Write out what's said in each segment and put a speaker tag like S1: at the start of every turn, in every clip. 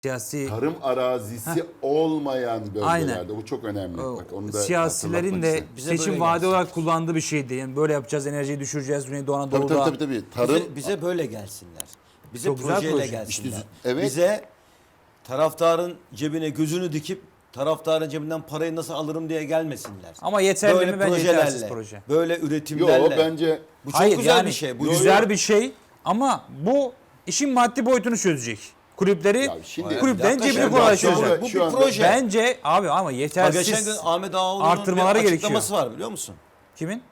S1: siyasi
S2: tarım arazisi olmayan bölgelerde.
S1: Aynen.
S2: Bu çok önemli. Bak, onu da
S1: siyasilerin de
S2: hatırlatmak istedim.
S1: seçim vaadi olarak kullandığı bir şeydi. Yani böyle yapacağız, enerjiyi düşüreceğiz Güneydoğu Anadolu'da.
S2: Tabii. Tarım
S3: Bize böyle gelsinler. Bize
S1: Çok güzel
S3: projeyle
S1: proje.
S3: gelsinler.
S2: İşte, evet.
S3: Bize taraftarın cebine gözünü dikip taraftarın cebinden parayı nasıl alırım diye gelmesinler.
S1: Ama yeterli
S3: Böyle
S1: mi? Bence
S3: projelerle,
S1: yetersiz proje.
S3: böyle
S2: Yo,
S3: üretimlerle.
S2: bence
S3: Bu çok
S1: Hayır,
S3: güzel
S1: yani
S3: bir şey. Bu
S1: güzel bir şey ama bu işin maddi boyutunu çözecek. Kulüpleri,
S2: Ya şimdi-
S1: kulüplerin
S3: Bir dakika,
S1: cebini
S3: şimdi
S1: kolaylaştıracak.
S3: Bu
S2: Şu
S3: bir
S2: anda-
S3: proje.
S1: Bence abi ama
S3: Bak, geçen
S1: yetersiz.
S3: gün Ahmet Ağaoğlu'nun
S1: Artırmaları
S3: bir
S1: gerekiyor.
S3: açıklaması var biliyor musun?
S1: Kimin?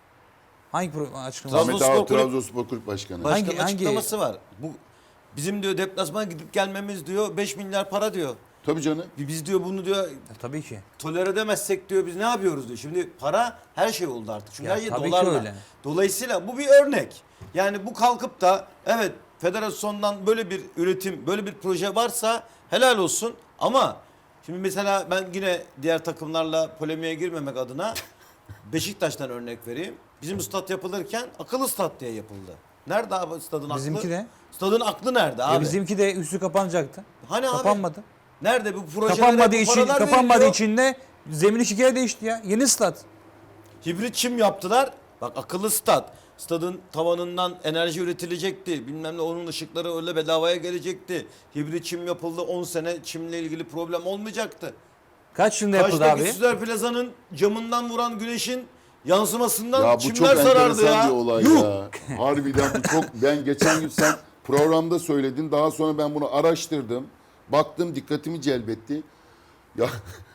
S1: Hangi açıklaması?
S2: Ahmet
S3: Trabzonspor
S2: Ağar,
S3: Kulüp-
S2: Trabzonspor Kulüp Başkanı.
S3: Başkanın
S1: Hangi-
S3: açıklaması var. Bu bizim diyor deplasmana gidip gelmemiz diyor 5 milyar para diyor.
S2: Tabii canım.
S3: Biz diyor bunu diyor
S1: Tabii ki.
S3: tolere edemezsek diyor biz ne yapıyoruz diyor. Şimdi para her şey oldu artık. Çünkü
S1: Ya
S3: her şey
S1: tabii ki
S3: dolarla.
S1: öyle.
S3: Dolayısıyla bu bir örnek. Yani bu kalkıp da evet federasyondan böyle bir üretim, böyle bir proje varsa helal olsun. Ama şimdi mesela ben yine diğer takımlarla polemiğe girmemek adına Beşiktaş'tan örnek vereyim. Bizim stat yapılırken akıllı stat diye yapıldı. Nerede abi stadın aklı?
S1: Bizimki de.
S3: Stadın aklı nerede abi?
S1: Bizimki de üstü kapanacaktı.
S3: Hani abi?
S1: Kapanmadı.
S3: Nerede bu projelere
S1: Kapanmadığı
S3: veriliyor?
S1: için de zemin iki kere değişti ya. Yeni stat.
S3: Hibrit çim yaptılar. Bak akıllı stat. Stadın tavanından enerji üretilecekti. Bilmem ne onun ışıkları öyle bedavaya gelecekti. Hibrit çim yapıldı. 10 sene çimle ilgili problem olmayacaktı.
S1: Kaç yılında yapıldı
S3: Kaçtaki
S1: abi?
S3: Süzer Plaza'nın camından vuran güneşin yansımasından
S2: Ya bu çok
S3: çimler sarardı
S2: enteresan
S3: ya.
S2: bir olay
S3: Yuh!
S2: ya. Harbiden bu çok... Ben geçen gün sen programda söyledin. Daha sonra ben bunu araştırdım. Baktım, dikkatimi celbetti. Ya,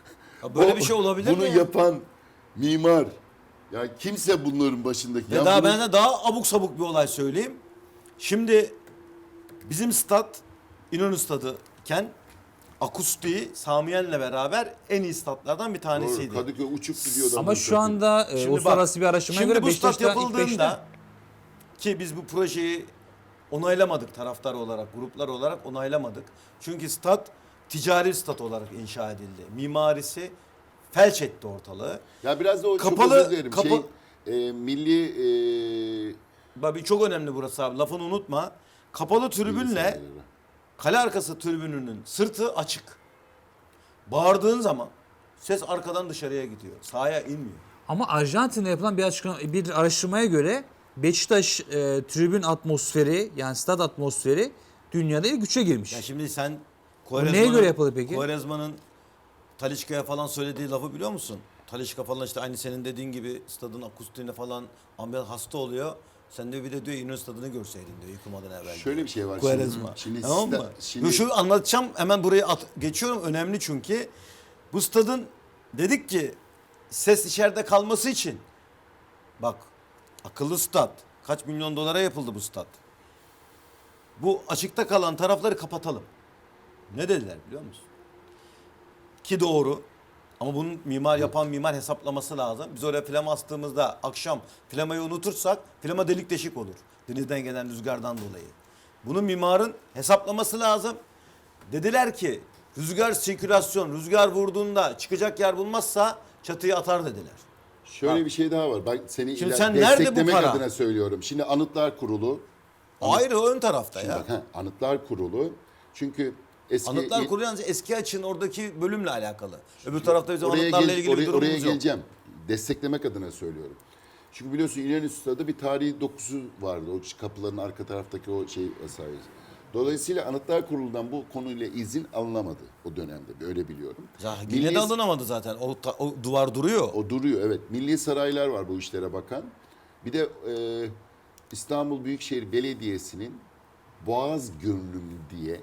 S3: Ya böyle bir şey olabilir
S2: bunu
S3: mi ya?
S2: yapan mimar. Ya kimse bunların başındaki.
S3: Ve
S2: Ya
S3: daha
S2: bunu-
S3: ben de daha abuk sabuk bir olay söyleyeyim. Şimdi bizim stat İnönü Stadı iken akustiği Samiyen'le beraber en iyi statlardan bir
S2: Doğru,
S3: tanesiydi.
S2: Kadıköy uçup gidiyordu.
S1: Ama şu anda
S3: Şimdi
S1: uluslararası
S3: bak,
S1: bir araştırmaya
S3: şimdi
S1: göre
S3: bu stat
S1: Beşiktaş'ta ilk beşte.
S3: yapıldığında ki biz bu projeyi onaylamadık taraftar olarak, gruplar olarak onaylamadık. Çünkü stat ticari stat olarak inşa edildi. Mimarisi felç etti ortalığı.
S2: Ya biraz da o
S3: Kapalı-
S2: çok özür dilerim.
S3: kapa-
S2: Milli
S3: Bak çok önemli burası abi lafını unutma. Kapalı tribünle kale arkası tribününün sırtı açık. Bağırdığın zaman ses arkadan dışarıya gidiyor. Sahaya inmiyor.
S1: Ama Arjantin'de yapılan bir araştırmaya göre Beşiktaş tribün atmosferi yani stat atmosferi dünyada ilk üçe girmiş.
S3: Ya şimdi sen
S1: neye göre yapıldı peki?
S3: Quaresma'nın Talisca'ya falan söylediği lafı biliyor musun? Talisca falan işte aynı senin dediğin gibi stadın akustiğine falan ambiyans hasta oluyor. Sen de bir de diyor İnönü Stadı'nı görseydin diyor yıkılmadan evvel.
S2: Şöyle bir şey var.
S3: Quaresma.
S2: Şimdi
S3: Tamam mı?
S2: şimdi
S3: Şu anlatacağım hemen buraya geçiyorum önemli çünkü. Bu stadın dedik ki ses içeride kalması için bak akıllı stat kaç milyon dolara yapıldı bu stat. Bu açıkta kalan tarafları kapatalım. Ne dediler biliyor musun? Ki doğru. Ama bunun yapan mimar hesaplaması lazım. Biz oraya flama astığımızda akşam flamayı unutursak flama delik deşik olur. Denizden gelen rüzgardan dolayı. Bunun mimarın hesaplaması lazım. Dediler ki rüzgar vurduğunda çıkacak yer bulmazsa çatıyı atar dediler.
S2: şöyle bir şey daha var. Ben seni
S3: Şimdi sen nerede bu
S2: desteklemek
S3: para?
S2: adına söylüyorum. Şimdi Anıtlar Kurulu.
S3: Ayrı ön tarafta
S2: Şimdi
S3: ya.
S2: bak, Anıtlar Kurulu. Çünkü eski
S3: Anıtlar Kurulu yalnız eski açın oradaki bölümle alakalı. Öbür tarafta bizim anıtlarla ilgili bir durumumuz
S2: oraya
S3: yok.
S2: geleceğim. Desteklemek adına söylüyorum. Çünkü biliyorsun İnönü Stadı bir tarihi dokusu vardı. O kapıların arka taraftaki o şey vesaire. Dolayısıyla Anıtlar Kurulu'ndan bu konuyla izin alınamadı o dönemde. Öyle biliyorum.
S3: Yine de alınamadı zaten. O duvar duruyor.
S2: O duruyor evet. Milli saraylar var bu işlere bakan. Bir de İstanbul Büyükşehir Belediyesi'nin Boğaz Görünümlü diye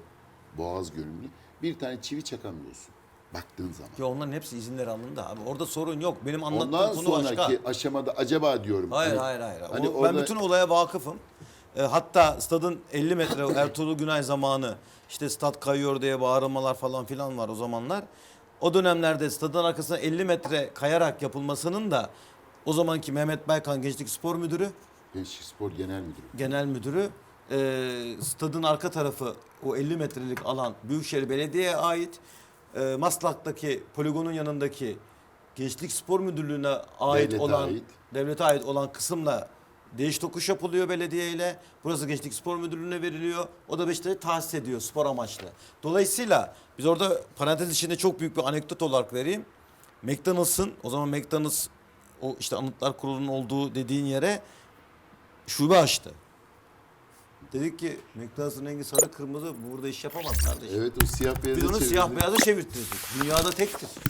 S2: bir tane çivi çakamıyorsun baktığın zaman.
S3: Ya onların hepsi izinleri alındı abi. Orada sorun yok. Benim anlattığım
S2: Ondan
S3: konu
S2: sonraki
S3: başka.
S2: aşamada acaba diyorum.
S3: Hayır.
S2: Hani
S3: Ben
S2: orada-
S3: bütün olaya vakıfım. Hatta stadın 50 metre Ertuğrul Günay zamanı işte stat kayıyor diye bağırmalar falan filan var o zamanlar. O dönemlerde stadın arkasına 50 metre kayarak yapılmasının da o zamanki Mehmet Baykan Gençlik Spor Müdürü,
S2: Gençlik Spor Genel Müdürü.
S3: Genel Müdürü stadın arka tarafı o 50 metrelik alan Büyükşehir Belediye'ye ait. Maslak'taki poligonun yanındaki Gençlik Spor Müdürlüğü'ne ait
S2: Devlete
S3: olan
S2: ait.
S3: devlete ait olan kısımla Değiş tokuş yapılıyor belediyeyle. Burası Gençlik Spor Müdürlüğü'ne veriliyor. O da Beşiktaş'ı tahsis ediyor spor amaçlı. Dolayısıyla biz orada parantez içinde çok büyük bir anekdot olarak vereyim. McDonald's'ın, o zaman McDonald's o işte Anıtlar Kurulu'nun olduğu dediğin yere şube açtı. Dedik ki McDonald's'ın rengi sarı kırmızı, burada iş yapamaz kardeşim.
S2: Evet, o siyah
S3: Biz
S2: beyazı
S3: onu
S2: çevirdi.
S3: siyah beyaza çevirttirdik. Dünyada tektir.